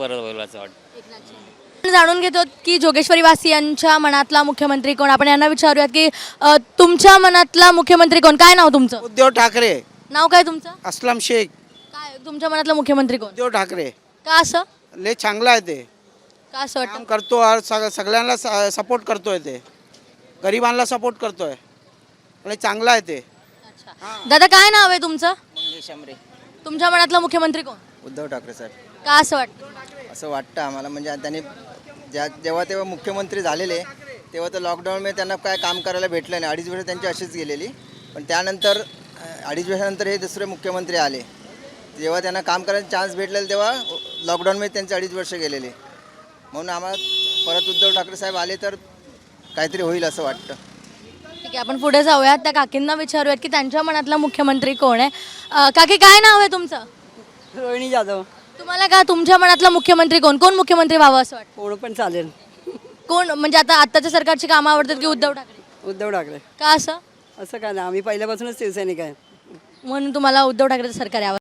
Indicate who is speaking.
Speaker 1: परत होईल असं वाटतं.
Speaker 2: आपण जाणून घेतो की जोगेश्वरी वासियांच्या मनातला मुख्यमंत्री कोण. आपण यांना विचारूयात की तुमच्या मनातला मुख्यमंत्री कोण. काय नाव तुमचं?
Speaker 3: उद्धव ठाकरे.
Speaker 2: नाव काय तुमचं?
Speaker 3: अस्लम शेख.
Speaker 2: काय तुमच्या मनातला मुख्यमंत्री कोण?
Speaker 3: उद्धव ठाकरे
Speaker 2: का असं?
Speaker 3: लय चांगला आहे ते.
Speaker 2: का असं वाटतं?
Speaker 3: काम करतो और सगळ्यांना सपोर्ट करतोय ते. गरिबांना सपोर्ट करतोय. लय चांगला आहे ते.
Speaker 2: अच्छा. दादा काय नाव आहे तुमचं?
Speaker 4: मंगेश आमरे.
Speaker 2: तुमच्या मनातला मुख्यमंत्री कोण?
Speaker 4: उद्धव ठाकरे साहेब.
Speaker 2: का असं वाटतं?
Speaker 4: असं वाटतं आम्हाला, म्हणजे त्यांनी जेव्हा तेव्हा मुख्यमंत्री झालेले तेव्हा तर लॉकडाऊनमध्ये त्यांना काय काम करायला भेटलं नाही. 2.5 वर्ष त्यांची अशीच गेलेली. पण त्यानंतर 2.5 वर्षानंतर हे दुसरे मुख्यमंत्री आले. जेव्हा त्यांना काम करायचा चान्स भेटलेला तेव्हा लॉकडाऊनमध्ये त्यांचे 2.5 वर्ष गेलेले. म्हणून आम्हाला परत उद्धव ठाकरे साहेब आले तर काहीतरी होईल असं वाटतं.
Speaker 2: ठीक आहे, आपण पुढे जाऊयात. त्या काकींना विचारूयात की त्यांच्या मनातला मुख्यमंत्री कोण आहे. काकी काय नाव आहे तुमचं?
Speaker 5: रोहिणी जाधव.
Speaker 2: तुम्हाला का तुमच्या मनातला मुख्यमंत्री कोण? कोण मुख्यमंत्री व्हावं असं वाटतं?
Speaker 5: कोण पण चालेल.
Speaker 2: कोण म्हणजे आता आत्ताच्या सरकारची कामं आवडतात की उद्धव ठाकरे?
Speaker 5: उद्धव ठाकरे.
Speaker 2: का असं?
Speaker 5: असं काय नाही, आम्ही पहिल्यापासूनच शिवसैनिक आहे.
Speaker 2: म्हणून तुम्हाला उद्धव ठाकरेचं सरकार यावं.